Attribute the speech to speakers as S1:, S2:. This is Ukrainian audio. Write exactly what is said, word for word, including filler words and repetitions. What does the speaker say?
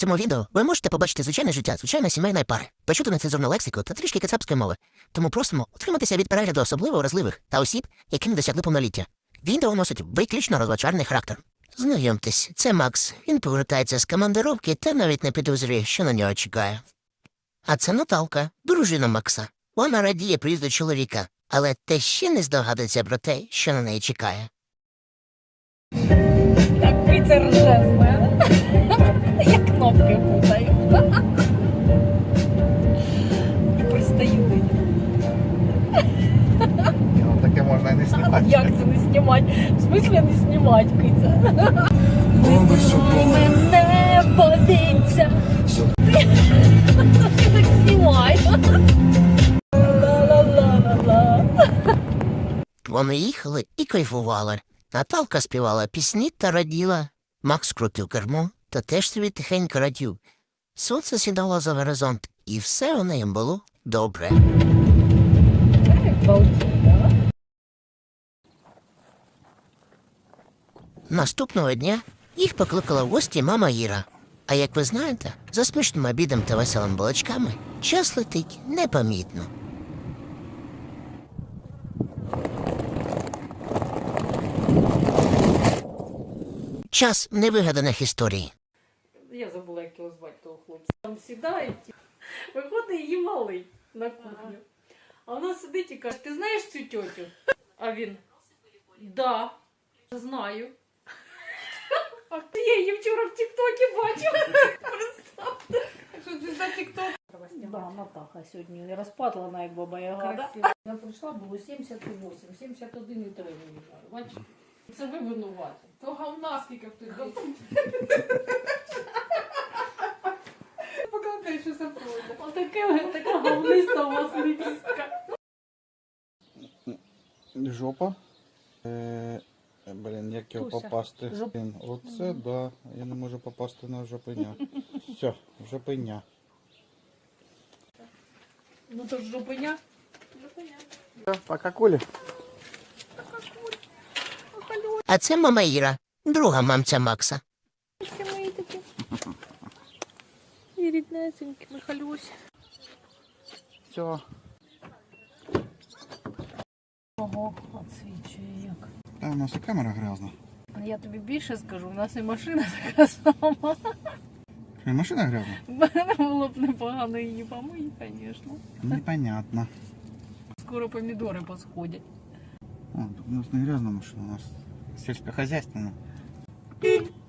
S1: цьому відео ви можете побачити звичайне життя, звичайної сімейної пари, почути нецензурну лексику та трішки кацапської мови. Тому просимо утриматися від перегляду особливо вразливих та осіб, які не досягли повноліття. Відео носить виключно розважальний характер. Знайомтесь, це Макс. Він повертається з командировки та навіть не підозрює, що на нього чекає. А це Наталка, дружина Макса. Вона радіє приїзду чоловіка, але те ще не здогадується про те, що на неї чекає.
S2: Так Киця рже з мене. Я кнопки путаю. І пристаю до нього.
S3: Ну, таке можна і не знімати.
S2: Як це не знімати? В смислі не знімати, Киця? Вибирай мене, подивіться. Ти так знімай. Ла-ла-ла-ла-ла.
S1: Вони їхали і кайфували. Наталка співала пісні та раділа. Макс крутив кермо та теж собі тихенько радів. Сонце сідало за горизонт, і все у неї було добре. Наступного дня їх покликала в гості мама Іра. А як ви знаєте, за смачним обідом та веселими балачками час летить непомітно. Час невигаданих історій.
S2: Я забула, як його звати, того хлопця. Там сідає, виходить її малий на кухню. А вона сидить і каже: ти знаєш цю тьотю? А він: да, знаю. А я її вчора в тік-токі бачила. Представте.
S4: Що це за тік-ток?
S2: Да, Натаха сьогодні розпатлана, як баба Яга.
S4: Красиво. Я прийшла, було сімдесят вісім, сімдесят один і три виїжджаю. Бачите? Це ви винуваті. То говна скільки в той Покладай, що це пройде.
S2: Отаке, така говниста у вас ліпістка.
S3: Жопа. Е, блін, як його
S2: Туся.
S3: попасти?
S2: Жоп-
S3: Блін, оце, да. Я не можу попасти на жопеня. Все, жопеня.
S2: Ну то ж жопеня.
S3: Пока, Коля.
S1: А це мама Іра, друга мамця Макса.
S2: Ці мої такі. І ріднесенькі, Михалюсь.
S3: Все.
S2: Ого, отсвічує як.
S3: Та у нас і камера грязна.
S2: Я тобі більше скажу, у нас і машина така сама.
S3: І машина грязна?
S2: Мене було б непогано її помити, звісно.
S3: Непонятно.
S2: Скоро помідори посходять.
S3: А, тут у нас не грязна машина, у нас сільськохозяйственна.